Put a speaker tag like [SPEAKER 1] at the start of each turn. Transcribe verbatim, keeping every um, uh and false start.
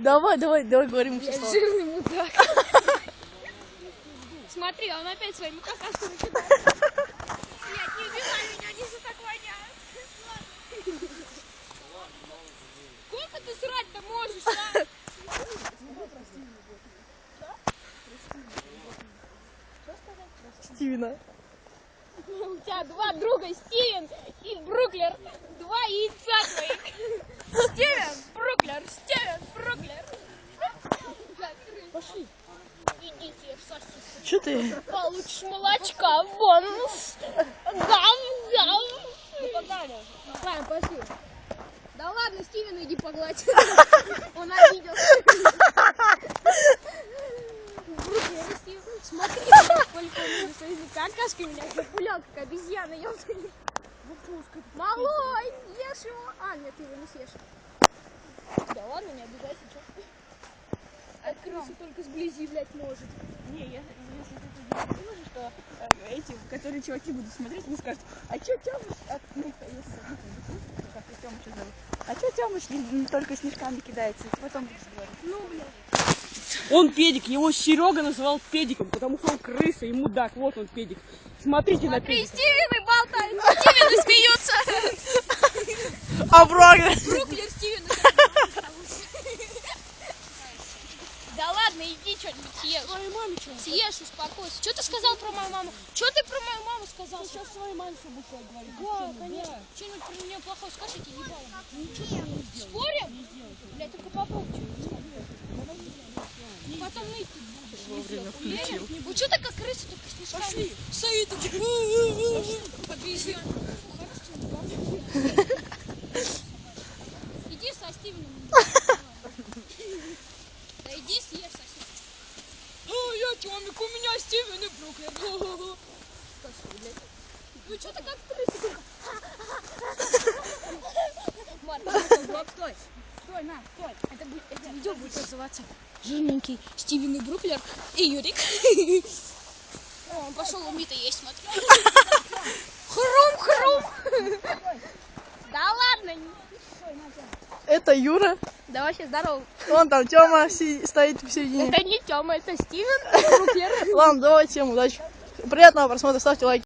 [SPEAKER 1] Давай, давай, давай, говорим все слова.
[SPEAKER 2] Жирный мудак. Смотри, он опять своими какашками кидает. Нет, не убивай меня, они же так воняют. Сколько ты срать-то можешь, а?
[SPEAKER 1] Стивена.
[SPEAKER 2] У тебя два друга, Стивен и Бруклер. Два яйца твоих. Стивен, Бруклер, Стивен, Бруклер.
[SPEAKER 1] Пошли.
[SPEAKER 2] Идите в сосиску.
[SPEAKER 1] Че ты?
[SPEAKER 2] Получишь молочка, бонус. Гав, гав.
[SPEAKER 3] Ну погнали.
[SPEAKER 2] Ладно, пошли. Да ладно, Стивен, иди погладь. Он обиделся. Бруклер, Стивен. Смотри, сколько у меня своими какашками, меня запулял, как обезьяна, ёпта. Малой, ешь его. А, нет, ты его не съешь. Да ладно, не обижайся, что? А крыса только сблизи, блядь, может.
[SPEAKER 3] Не, если, если ты думаешь, что э, эти, которые чуваки будут смотреть, они скажут, а чё Тёмыч, а, ну, если, ну, как и Тёмыча зовут, а чё Тёмыч не, не только снежками кидается, и потом будешь говорить.
[SPEAKER 2] Ну, блядь.
[SPEAKER 4] Он педик, его Серега называл педиком, потому что он крыса и мудак, вот он педик. Смотрите на
[SPEAKER 2] Смотри,
[SPEAKER 4] педика.
[SPEAKER 2] Стивены болтают, Стивены смеются.
[SPEAKER 1] А Бруклер?
[SPEAKER 2] Бруклер, Стивен. Да ладно, иди что-нибудь съешь.
[SPEAKER 4] Твоей маме что?
[SPEAKER 2] Съешь, успокойся. Что ты сказал про мою маму? Что ты про мою маму сказал?
[SPEAKER 4] Сейчас своей маме все будешь говорить.
[SPEAKER 2] Да, конечно. Что-нибудь про меня плохого скажи, я тебе ебало. Ничего ты не сделаешь. Спорим? Блядь, только попробуй что-нибудь сказать. Потом ныть тут будешь.
[SPEAKER 1] Вовремя включил.
[SPEAKER 2] Ну что ты как крыса, только снежками?
[SPEAKER 4] Пошли.
[SPEAKER 2] Стоит такие. Обезьян. Иди со Стивеном. Да иди съешь сосиску.
[SPEAKER 4] Ну, я Тёмик, у меня Стивен и Бруклер.
[SPEAKER 2] Ну что ты как крыса?
[SPEAKER 3] Стоп, стой, стой, на, стой.
[SPEAKER 2] Это, будет, это видео будет называться «Жирненький Стивен и Бруклер и Юрик». О, он пошел у Мита есть, смотри. Хрум-хрум. Да ладно.
[SPEAKER 1] Это Юра.
[SPEAKER 2] Да вообще здорово.
[SPEAKER 1] Вон там Тёма си- стоит в середине.
[SPEAKER 2] Это не Тёма, это Стивен и Бруклер.
[SPEAKER 1] Ладно, давай всем удачи. Приятного просмотра, ставьте лайки.